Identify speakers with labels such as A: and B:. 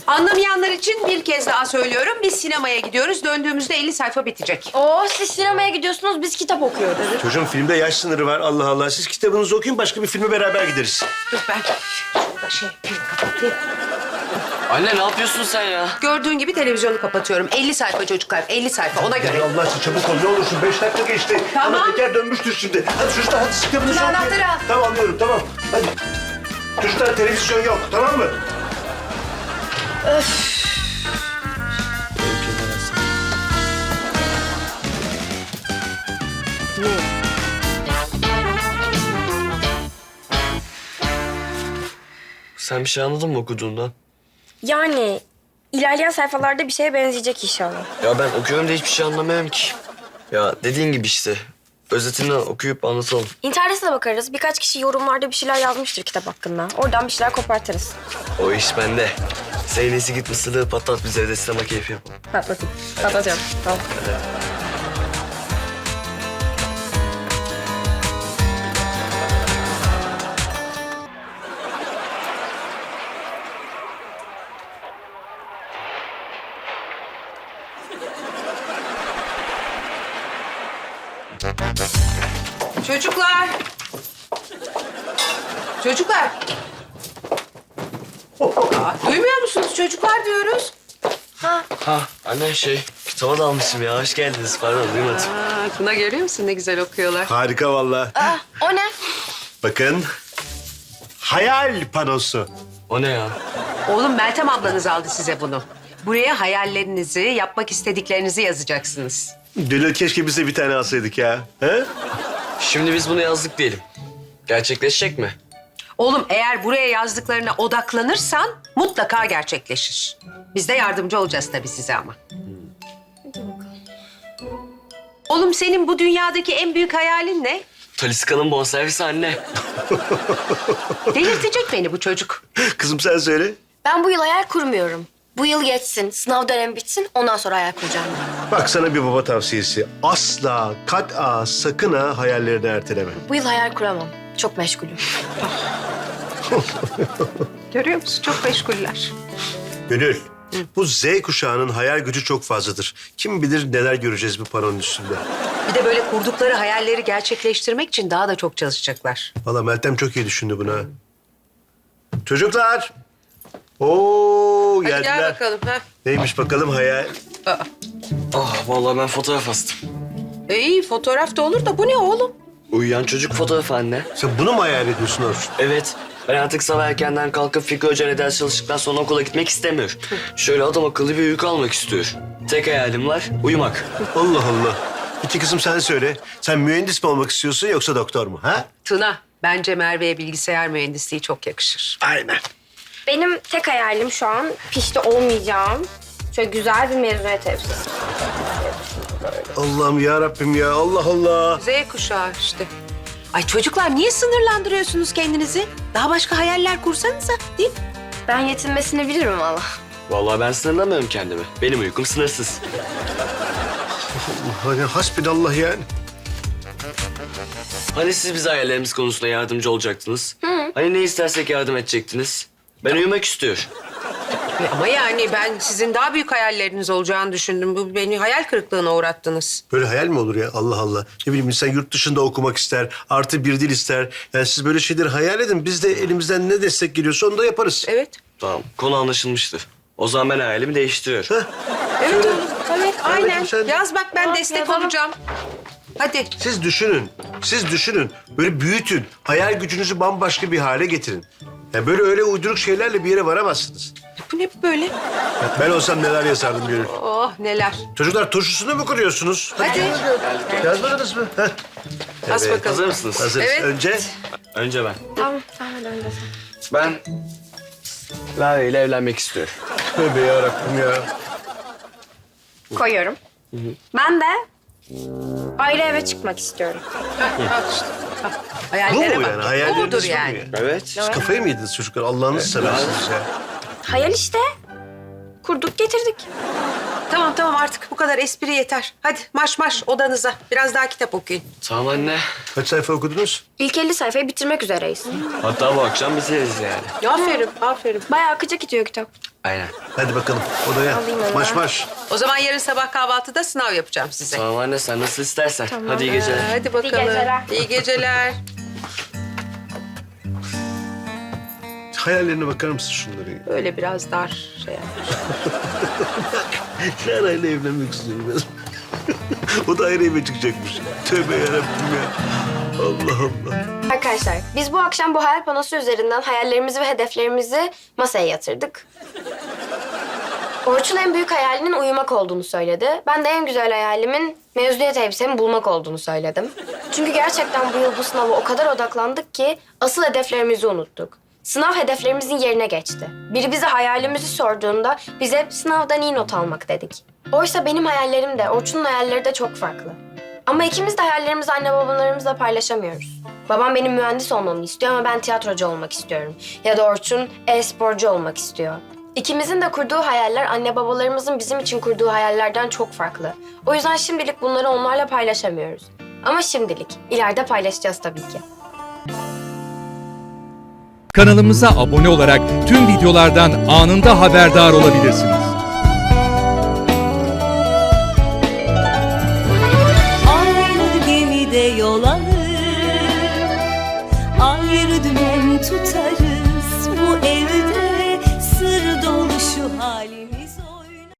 A: Anlamayanlar için bir kez daha söylüyorum. Biz sinemaya gidiyoruz. Döndüğümüzde 50 sayfa bitecek.
B: Oo, siz sinemaya gidiyorsunuz, biz kitap okuyoruz.
C: Çocuğum filmde yaş sınırı var. Allah Allah. Siz kitabınızı okuyun, başka bir filme beraber gideriz.
A: Dur ben şurada kapatayım.
D: Anne ne yapıyorsun sen ya?
A: Gördüğün gibi televizyonu kapatıyorum. 50 sayfa çocuklar, 50 sayfa ona göre.
C: Allah için çabuk ol. Ne olursun 5 dakika geçti.
A: Tamam.
C: Ana teker dönmüştür şimdi. Hadi çocuklar hadi kitabınızı
A: Dur,
C: okuyun.
A: anahtarı al.
C: Tamam anlıyorum tamam. Hadi. Çocuklar televizyon yok tamam mı?
D: Sen bir şey anladın mı okuduğundan?
B: Yani ilerleyen sayfalarda bir şeye benzeyecek inşallah.
D: Ya ben okuyorum da hiçbir şey anlamıyorum ki. Ya dediğin gibi işte. Özetini okuyup anlatalım.
B: İnternete de bakarız. Birkaç kişi yorumlarda bir şeyler yazmıştır kitap hakkında. Oradan bir şeyler kopartırız.
D: O iş bende. Zeynesi git mısırlığı patlat, biz evde sinema keyfi yapalım.
B: Patlatayım. Patlatıyorum. Tamam.
A: Çocuklar. Çocuklar. Duymuyor musunuz? Çocuklar diyoruz.
D: Ha anne kitaba dalmışım ya. Hoş geldiniz. Pardon duymadım.
A: Tuna görüyor musun? Ne güzel okuyorlar.
C: Harika vallahi.
B: O ne?
C: Bakın. Hayal panosu.
D: O ne ya?
A: Oğlum Meltem ablanız aldı size bunu. Buraya hayallerinizi, yapmak istediklerinizi yazacaksınız.
C: Dönül keşke bize bir tane alsaydık ya. He?
D: Şimdi biz bunu yazdık diyelim. Gerçekleşecek mi?
A: Oğlum eğer buraya yazdıklarına odaklanırsan mutlaka gerçekleşir. Biz de yardımcı olacağız tabii size ama. Oğlum senin bu dünyadaki en büyük hayalin ne?
D: Taliska'nın bonservisi anne.
A: Delirtecek beni bu çocuk.
C: Kızım sen söyle.
B: Ben bu yıl hayal kurmuyorum. Bu yıl geçsin, sınav dönemi bitsin, ondan sonra hayal kuracağım.
C: Bak sana bir baba tavsiyesi. Asla, kat'a, sakın ha hayallerini erteleme.
B: Bu yıl hayal kuramam. Çok meşgulüm.
A: Görüyor musun? Çok meşguller.
C: Gönül, bu Z kuşağının hayal gücü çok fazladır. Kim bilir neler göreceğiz bu panonun üstünde.
A: Bir de böyle kurdukları hayalleri gerçekleştirmek için daha da çok çalışacaklar.
C: Vallahi Meltem çok iyi düşündü bunu ha. Çocuklar. Oo
A: Hadi
C: geldiler.
A: gel bakalım. Ha.
C: Neymiş bakalım hayal?
D: Vallahi ben fotoğraf astım.
A: İyi fotoğraf da olur da bu ne oğlum?
D: Uyuyan çocuk fotoğrafı anne.
C: Sen bunu mu hayal ediyorsun Orçun?
D: Evet. Ben artık sabah erkenden kalkıp Fikri Hoca'yla ders çalıştıktan sonra okula gitmek istemiyorum. Şöyle adam akıllı bir uyku almak istiyorum. Tek hayalim var, uyumak.
C: Allah Allah. İki kızım sen söyle. Sen mühendis mi olmak istiyorsun yoksa doktor mu? Ha?
A: Tuna, bence Merve'ye bilgisayar mühendisliği çok yakışır.
C: Aynen.
B: Benim tek hayalim şu an pişti olmayacağım. Şöyle güzel bir mezuniyet elbisesi.
C: Allah'ım ya Rabbim ya. Allah Allah.
A: Z kuşağı işte. Ay çocuklar niye sınırlandırıyorsunuz kendinizi? Daha başka hayaller kursanıza değil mi?
B: Ben yetinmesini bilirim valla.
D: Vallahi ben sınırlamıyorum kendimi. Benim uykum sınırsız.
C: Hani hasbinallah yani.
D: Hani siz bize hayallerimiz konusunda yardımcı olacaktınız? Hani ne istersek yardım edecektiniz? Ben uyumak istiyorum.
A: Ama yani ben sizin daha büyük hayalleriniz olacağını düşündüm. Bu beni hayal kırıklığına uğrattınız.
C: Böyle hayal mi olur ya? Allah Allah. Ne bileyim insan yurt dışında okumak ister. Artı bir dil ister. Yani siz böyle şeyleri hayal edin. Biz de elimizden ne destek geliyorsa onu da yaparız.
A: Evet.
D: Tamam, konu anlaşılmıştır. O zaman ben hayalimi değiştiriyorum.
A: Evet oğlum. Evet aynen.
C: sen-
A: Yaz bak ben destek
B: yazalım.
A: olacağım. Hadi.
C: Siz düşünün. Siz düşünün. Böyle büyütün. Hayal gücünüzü bambaşka bir hale getirin. Yani böyle öyle uyduruk şeylerle bir yere varamazsınız.
A: Bu ne böyle?
C: Ben olsam neler yazardım Gönül.
A: Oh neler.
C: Çocuklar turşusunu mu kuruyorsunuz?
A: Hadi.
C: Yazmadınız mı? Heh.
A: As
C: Evet.
A: bakalım.
D: Hazır mısınız?
C: Hazırız.
A: Evet.
C: Önce
D: Önce ben.
B: Tamam, sen hadi önce sen.
D: Ben Lale ile evlenmek istiyorum.
C: tövbe yarabbim ya.
B: Koyuyorum. Ben de ayrı eve çıkmak istiyorum.
A: Al işte. Al.
C: Bu
A: Hayallere
C: mu
A: bak.
C: yani?
A: Bu
C: Hayalleriniz
A: mudur
C: bu mu
A: yani?
C: yani?
D: Evet.
C: Siz kafayı mı yediniz çocuklar? Allah'ınızı seversiniz ya.
B: Hayal işte. kurduk, getirdik.
A: Tamam artık bu kadar espri yeter. Hadi marş odanıza. Biraz daha kitap okuyun.
D: Tamam anne.
C: Kaç sayfa okudunuz?
B: İlk 50 sayfayı bitirmek üzereyiz.
D: Hatta bu akşam biteriz yani.
A: Aferin.
B: Bayağı akıcı gidiyor kitap.
D: Aynen.
C: Hadi bakalım odaya.
B: Alayım onu.
C: Marş.
A: O zaman yarın sabah kahvaltıda sınav yapacağım size.
D: Tamam anne sen nasıl istersen. Hadi iyi geceler.
A: Hadi bakalım.
B: geceler.
A: İyi geceler.
C: Hayallerine bakar mısın şunları?
A: Böyle biraz dar şey yap.
C: Şarayla evlenmek istiyorum ben. O da ayrı eve çıkacakmış. Tövbe yarabbim ya. Allah Allah.
B: Arkadaşlar biz bu akşam bu hayal panosu üzerinden hayallerimizi ve hedeflerimizi masaya yatırdık. Orçun en büyük hayalinin uyumak olduğunu söyledi. Ben de en güzel hayalimin mezuniyet elbisemi bulmak olduğunu söyledim. Çünkü gerçekten bu yıl bu sınava o kadar odaklandık ki asıl hedeflerimizi unuttuk. Sınav hedeflerimizin yerine geçti. Biri bize hayalimizi sorduğunda biz hep sınavdan iyi not almak dedik. Oysa benim hayallerim de Orçun'un hayalleri de çok farklı. Ama ikimiz de hayallerimizi anne babalarımızla paylaşamıyoruz. Babam benim mühendis olmamı istiyor ama ben tiyatrocu olmak istiyorum. Ya da Orçun e-sporcu olmak istiyor. İkimizin de kurduğu hayaller anne babalarımızın bizim için kurduğu hayallerden çok farklı. O yüzden şimdilik bunları onlarla paylaşamıyoruz. Ama şimdilik, ileride paylaşacağız tabii ki.
E: Kanalımıza abone olarak tüm videolardan anında haberdar olabilirsiniz.
F: Aynı gemide yol alır, ayrı dümen tutarız. Bu evde sır dolu şu halimiz.